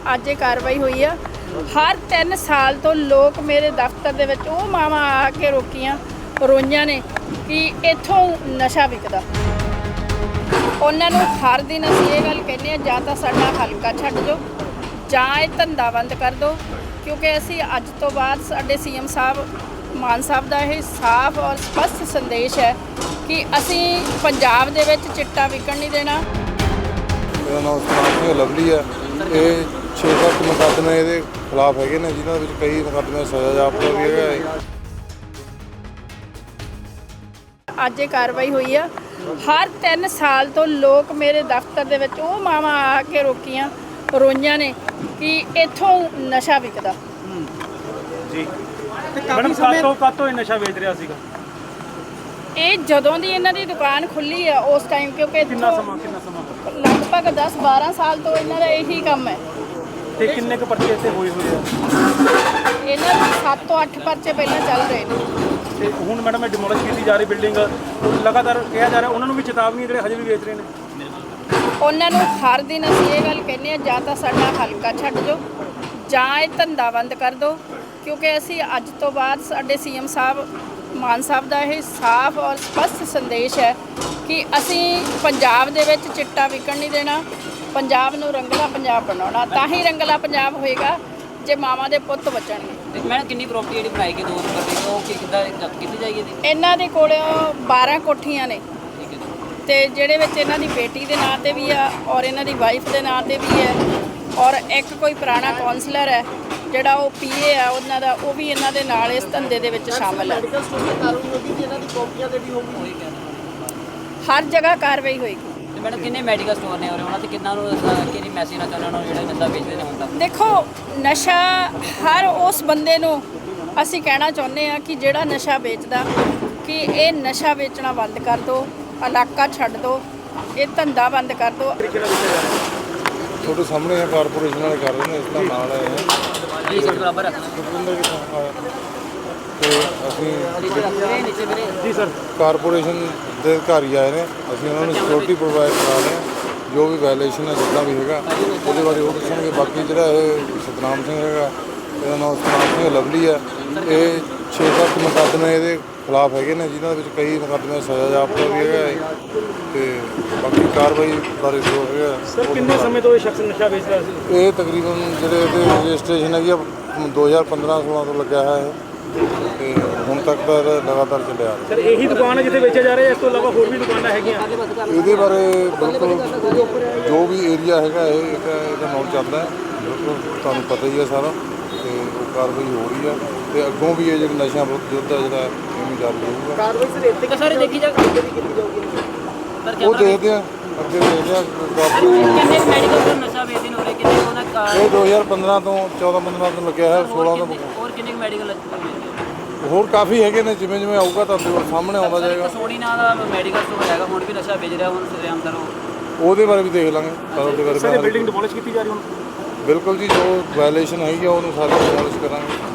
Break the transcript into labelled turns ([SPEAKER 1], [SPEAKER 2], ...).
[SPEAKER 1] ਅੱਜ ਇਹ ਕਾਰਵਾਈ ਹੋਈ ਆ। ਹਰ 3 ਸਾਲ ਤੋਂ ਲੋਕ ਮੇਰੇ ਦਫ਼ਤਰ ਦੇ ਵਿੱਚ ਉਹ ਮਾਵਾਂ ਆ ਕੇ ਰੋਕੀਆਂ ਰੋਈਆਂ ਨੇ ਕਿ ਇੱਥੋਂ ਨਸ਼ਾ ਵਿਕਦਾ। ਉਹਨਾਂ ਨੂੰ ਹਰ ਦਿਨ ਅਸੀਂ ਇਹ ਗੱਲ ਕਹਿੰਦੇ ਹਾਂ, ਜਾਂ ਤਾਂ ਸਾਡਾ ਹਲਕਾ ਛੱਡ ਦਿਓ ਜਾਂ ਇਹ ਧੰਦਾ ਬੰਦ ਕਰ ਦਿਓ, ਕਿਉਂਕਿ ਅਸੀਂ ਅੱਜ ਤੋਂ ਬਾਅਦ ਸਾਡੇ ਸੀਐਮ ਸਾਹਿਬ ਮਾਨ ਸਾਹਿਬ ਦਾ ਇਹ ਸਾਫ਼ ਔਰ ਸਪਸ਼ਟ ਸੰਦੇਸ਼ ਹੈ ਕਿ ਅਸੀਂ ਪੰਜਾਬ ਦੇ ਵਿੱਚ ਚਿੱਟਾ ਵਿਕਣ ਨਹੀਂ ਦੇਣਾ।
[SPEAKER 2] ਮੇਰਾ ਨਾਮ ਸਤਨਾਮ ਸਿੰਘ ਲਵਲੀ ਹੈ। ਇਹ 6-7 ਮੁਕੱਦਮੇ ਇਹਦੇ ਖਿਲਾਫ ਹੈਗੇ ਨੇ, ਜਿਨ੍ਹਾਂ ਵਿੱਚ ਕਈ ਮੁਕੱਦਮੇ ਸਜ਼ਾ ਜਾਪਦਾ ਵੀ ਹੈਗਾ ਹੈ।
[SPEAKER 1] ਅੱਜ ਇਹ ਕਾਰਵਾਈ ਹੋਈ ਆ। ਹਰ 3 ਸਾਲ ਤੋਂ ਲੋਕ ਮੇਰੇ ਦਫ਼ਤਰ ਦੇ ਵਿੱਚ ਉਹ ਮਾਵਾਂ ਆ ਕੇ ਰੋਕੀਆਂ ਰੋਈਆਂ ਨੇ ਕਿ ਇੱਥੋਂ ਨਸ਼ਾ ਵਿਕਦਾ।
[SPEAKER 3] ਜੀ ਮੈਡਮ ਕਾਤੋਂ ਇਹ ਨਸ਼ਾ ਵੇਚ ਰਿਹਾ ਸੀਗਾ?
[SPEAKER 1] ਇਹ ਜਦੋਂ ਦੀ ਇਹਨਾਂ ਦੀ ਦੁਕਾਨ ਖੁੱਲੀ ਆ ਉਸ ਟਾਈਮ, ਕਿਉਂਕਿ
[SPEAKER 3] ਕਿੰਨਾ ਸਮਾਂ
[SPEAKER 1] ਲਗਭਗ 10-12 ਸਾਲ ਤੋਂ ਇਹਨਾਂ ਦਾ ਇਹੀ ਕੰਮ ਹੈ।
[SPEAKER 3] ਤੇ ਕਿੰਨੇ ਕੁ ਪਰਚੇ ਇੱਥੇ ਹੋਏ ਆ?
[SPEAKER 1] ਇਹਨਾਂ ਦੇ 7 ਤੋਂ 8 ਪਰਚੇ ਪਹਿਲਾਂ ਚੱਲ ਰਹੇ ਨੇ।
[SPEAKER 3] ਤੇ ਹੁਣ ਮੈਡਮ ਇਹ ਡਿਮੋਲਿਸ਼ ਕੀਤੀ ਜਾ ਰਹੀ ਬਿਲਡਿੰਗ, ਲਗਾਤਾਰ ਕਿਹਾ ਜਾ ਰਿਹਾ ਉਹਨਾਂ ਨੂੰ ਵੀ ਚੇਤਾਵਨੀ ਜਿਹੜੇ ਹਜੇ ਵੀ ਵੇਚ ਰਹੇ ਨੇ।
[SPEAKER 1] ਉਹਨਾਂ ਨੂੰ ਹਰ ਦਿਨ ਅਸੀਂ ਇਹ ਗੱਲ ਕਹਿੰਦੇ ਹਾਂ, ਜਾਂ ਤਾਂ ਸਾਡਾ ਹਲਕਾ ਛੱਡ ਦਿਓ ਜਾਂ ਇਹ ਧੰਦਾ ਬੰਦ ਕਰ ਦਿਓ, ਕਿਉਂਕਿ ਅਸੀਂ ਅੱਜ ਤੋਂ ਬਾਅਦ ਸਾਡੇ ਸੀਐਮ ਸਾਹਿਬ ਮਾਨ ਸਾਹਿਬ ਦਾ ਇਹ ਸਾਫ਼ ਔਰ ਸਪਸ਼ਟ ਸੰਦੇਸ਼ ਹੈ ਕਿ ਅਸੀਂ ਪੰਜਾਬ ਦੇ ਵਿੱਚ ਚਿੱਟਾ ਵਿਕਣ ਨਹੀਂ ਦੇਣਾ। ਪੰਜਾਬ ਨੂੰ ਰੰਗਲਾ ਪੰਜਾਬ ਬਣਾਉਣਾ, ਤਾਂ ਹੀ ਰੰਗਲਾ ਪੰਜਾਬ ਹੋਏਗਾ ਜੇ ਮਾਵਾਂ ਦੇ ਪੁੱਤ ਬਚਣਗੇ।
[SPEAKER 4] ਮੈਂ ਕਿੰਨੀ ਪ੍ਰਾਪਰਟੀ ਜਿਹੜੀ ਬਣਾਈ ਗਈ 2 ਨੰਬਰ ਦੀ, ਉਹ ਕਿੱਦਾਂ ਜ਼ਬਤ ਕੀਤੀ ਜਾਏਗੀ?
[SPEAKER 1] ਇਹਨਾਂ ਦੇ ਕੋਲ 12 ਕੋਠੀਆਂ ਨੇ,
[SPEAKER 4] ਠੀਕ ਹੈ ਜੀ।
[SPEAKER 1] ਤੇ ਜਿਹੜੇ ਵਿੱਚ ਇਹਨਾਂ ਦੀ ਬੇਟੀ ਦੇ ਨਾਂ ਤੇ ਵੀ ਆ ਔਰ ਇਹਨਾਂ ਦੀ ਵਾਈਫ ਦੇ ਨਾਂ ਤੇ ਵੀ ਹੈ, ਔਰ ਇੱਕ ਕੋਈ ਪੁਰਾਣਾ ਕਾਉਂਸਲਰ ਹੈ ਜਿਹੜਾ ਉਹ ਪੀਏ ਆ ਉਹਨਾਂ ਦਾ, ਉਹ ਵੀ ਇਹਨਾਂ ਦੇ ਨਾਲ ਇਸ ਧੰਦੇ ਦੇ ਵਿੱਚ ਸ਼ਾਮਲ ਹੈ। ਹਰ ਜਗ੍ਹਾ ਕਾਰਵਾਈ ਹੋਏਗੀ।
[SPEAKER 4] ਤੇ ਮੈਡਮ ਕਿੰਨੇ ਮੈਡੀਕਲ ਸਟੋਰ ਨੇ ਉਹਨਾਂ ਤੇ ਕਿੰਨਾ ਨੂੰ ਕਿਹੜੀ ਮੈਸੇਜ ਨਾ ਚਾਹੁੰਦੇ ਉਹਨਾਂ ਨੂੰ ਜਿਹੜਾ ਨਸ਼ਾ ਵੇਚਦੇ ਨੇ ਹੁਣ ਤੱਕ?
[SPEAKER 1] ਦੇਖੋ, ਨਸ਼ਾ ਹਰ ਉਸ ਬੰਦੇ ਨੂੰ ਅਸੀਂ ਕਹਿਣਾ ਚਾਹੁੰਦੇ ਆ ਕਿ ਜਿਹੜਾ ਨਸ਼ਾ ਵੇਚਦਾ ਕਿ ਇਹ ਨਸ਼ਾ ਵੇਚਣਾ ਬੰਦ ਕਰ ਦਿਓ, ਇਲਾਕਾ ਛੱਡ ਦਿਓ, ਇਹ ਧੰਦਾ ਬੰਦ ਕਰ ਦਿਓ।
[SPEAKER 2] ਤੁਹਾਡੇ ਸਾਹਮਣੇ ਆ, ਕਾਰਪੋਰੇਸ਼ਨ ਵਾਲੇ ਕਰ ਰਹੇ ਨੇ, ਇਸ ਦਾ ਨਾਲ ਹੈ
[SPEAKER 4] ਜੀ ਸਰ ਬਰਾਬਰ
[SPEAKER 2] ਸੁਖਵਿੰਦਰ ਕਿੱਥੋਂ ਆਇਆ ਤੇ ਅਸੀਂ
[SPEAKER 3] ਜੀ ਸਰ
[SPEAKER 2] ਕਾਰਪੋਰੇਸ਼ਨ ਦੇ ਅਧਿਕਾਰੀ ਆਏ ਨੇ, ਅਸੀਂ ਉਹਨਾਂ ਨੂੰ ਸਿਕਿਉਰਿਟੀ ਪ੍ਰੋਵਾਈਡ ਕਰਾ ਰਹੇ ਹਾਂ। ਜੋ ਵੀ ਵਾਇਲੇਸ਼ਨ ਹੈ ਜਿੱਦਾਂ ਵੀ ਹੈਗਾ ਉਹਦੇ ਬਾਰੇ ਉਹ ਦੱਸਣਗੇ। ਬਾਕੀ ਜਿਹੜਾ ਇਹ ਸਤਨਾਮ ਸਿੰਘ ਹੈਗਾ, ਇਹਦਾ ਨਾਮ ਸਤਨਾਮ ਸਿੰਘ ਲਵਲੀ ਹੈ। ਇਹ 6-7 ਮੁਕੱਦਮੇ ਇਹਦੇ ਖਿਲਾਫ ਹੈਗੇ ਨੇ, ਜਿਨ੍ਹਾਂ ਵਿੱਚ ਕਈ ਮੁਕੱਦਮੇ ਸਜ਼ਾ ਜਾਪਦਾ ਵੀ ਹੈਗਾ ਹੈ। ਤੇ ਬਾਕੀ ਕਾਰਵਾਈ ਬਾਰੇ ਜੋ ਹੈਗਾ
[SPEAKER 3] ਸਰ ਕਿੰਨੇ ਸਮੇਂ ਤੋਂ ਇਹ ਸ਼ਖਸ ਨਸ਼ਾ ਵੇਚ ਰਿਹਾ ਸੀ?
[SPEAKER 2] ਇਹ ਤਕਰੀਬਨ ਜਿਹੜੇ ਇਹਦੇ ਰਜਿਸਟ੍ਰੇਸ਼ਨ ਹੈਗੀ ਆ 2015-16 ਤੋਂ ਲੱਗਿਆ ਹੈ ਤੇ ਹੁਣ ਤੱਕ ਦਾ ਲਗਾਤਾਰ ਚੱਲਿਆ ਆ ਰਿਹਾ।
[SPEAKER 3] ਸਰ ਇਹੀ ਦੁਕਾਨ ਹੈ ਜਿੱਥੇ ਵੇਚਿਆ ਜਾ ਰਿਹਾ, ਇਸ ਤੋਂ ਇਲਾਵਾ ਹੋਰ ਵੀ ਦੁਕਾਨਾਂ ਹੈਗੀਆਂ?
[SPEAKER 2] ਇਹਦੇ ਬਾਰੇ ਬਿਲਕੁਲ ਜੋ ਵੀ ਏਰੀਆ ਹੈਗਾ ਇਹਦਾ ਨੌਨ ਚੱਲਦਾ ਹੈ, ਬਿਲਕੁਲ ਤੁਹਾਨੂੰ ਪਤਾ ਹੀ ਹੈ ਸਾਰਾ, ਤੇ ਉਹ ਕਾਰਵਾਈ ਹੋ ਰਹੀ ਆ। ਤੇ ਅੱਗੋਂ ਵੀ ਇਹ ਜਿਹੜਾ ਨਸ਼ਿਆਂ ਵਿਰੁੱਧ ਯੁੱਧ ਆ ਜਿਹੜਾ ਇਹਨੂੰ ਜਾਰੀ ਰਹੂਗਾ।
[SPEAKER 4] ਕਾਰਵਾਈ ਸਰ ਇੱਥੇ ਕਿ ਸਾਰੇ ਦੇਖੀ ਜਾ
[SPEAKER 2] ਉਹ ਦੇਖਦੇ ਆ, ਅੱਗੇ ਦੇਖਦੇ ਆ।
[SPEAKER 4] ਕਿੰਨੇ ਮੈਡੀਕਲ ਸਟੋਰ ਨਸ਼ਾ ਵੇਚਦੇ ਨੇ, ਕਿੰਨੇ ਉਹਨਾਂ
[SPEAKER 2] ਇਹ 2015 ਤੋਂ 14-15 ਤੋਂ ਲੱਗਿਆ ਹੈ, 16 ਤੋਂ
[SPEAKER 4] ਹੋਰ ਕਿੰਨੇ ਮੈਡੀਕਲ
[SPEAKER 2] ਹੋਰ ਕਾਫੀ ਹੈਗੇ ਨੇ। ਜਿਵੇਂ ਜਿਵੇਂ ਆਊਗਾ ਤੁਹਾਨੂੰ ਸਾਹਮਣੇ ਆਉਂਦਾ ਜਾਏਗਾ।
[SPEAKER 4] ਸੋਨੀ ਨਾਂ ਦਾ ਮੈਡੀਕਲ ਸਟੋਰ ਹੈਗਾ, ਹੁਣ ਵੀ ਨਸ਼ਾ ਵੇਚ ਰਿਹਾ, ਹੁਣ ਸਰਿਆਮ ਦਾ
[SPEAKER 2] ਉਹਦੇ ਬਾਰੇ ਵੀ ਦੇਖ ਲਾਂਗੇ। ਉਹਦੇ
[SPEAKER 3] ਸਰ
[SPEAKER 2] ਬਾਰੇ
[SPEAKER 3] ਬਿਲਡਿੰਗ ਡਿਮੋਲਿਸ਼ ਕੀਤੀ ਜਾ ਰਹੀ ਹੁਣ?
[SPEAKER 2] ਬਿਲਕੁਲ ਜੀ, ਜੋ ਵਾਇਲੇਸ਼ਨ ਹੈਗੀ ਆ ਉਹਨੂੰ ਸਾਰੇ ਡਿਮੋਲਿਸ਼ ਕਰਾਂਗੇ।